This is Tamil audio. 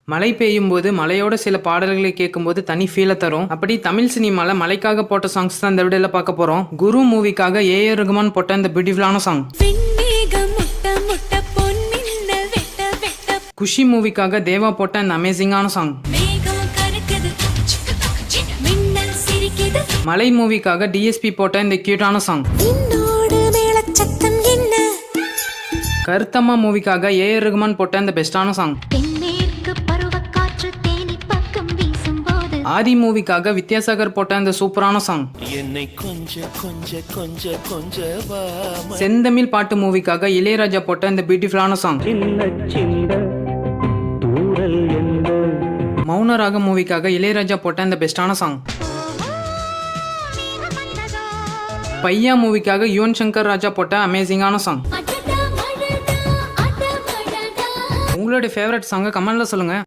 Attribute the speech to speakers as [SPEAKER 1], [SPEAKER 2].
[SPEAKER 1] மழை பெய்யும் போது மலையோட சில பாடல்களை கேட்கும்போது தனி ஃபீலை தரும். அப்படி தமிழ் சினிமால மலைக்காக போட்ட சாங்ஸ் தான் இந்த வீடியோல பார்க்க போறோம். குரு மூவிக்காக ஏஆர் ரகுமான் போட்ட இந்த பியூட்டிஃபுல்லான சாங். குஷி மூவிக்காக தேவா போட்ட இந்த அமேசிங்கான சாங். மலை மூவிக்காக டிஎஸ்பி போட்ட இந்த கியூட்டான சாங். கருத்தம்மா மூவிக்காக ஏஆர் ரகுமான் போட்ட இந்த பெஸ்டான சாங். ஆதி மூவிக்காக வித்யாசாகர் போட்ட இந்த சூப்பரான சாங். செந்தமிழ் பாட்டு மூவிக்காக இளையராஜா போட்ட இந்த பியூட்டிஃபுல்லான சாங். மௌனராக மூவிக்காக இளையராஜா போட்ட இந்த பெஸ்டான சாங். பையா மூவிக்காக யுவன் சங்கர் ராஜா போட்ட அமேசிங்கான சாங். உங்களுடைய ஃபேவரட் சாங்கை கமெண்ட்ல சொல்லுங்க.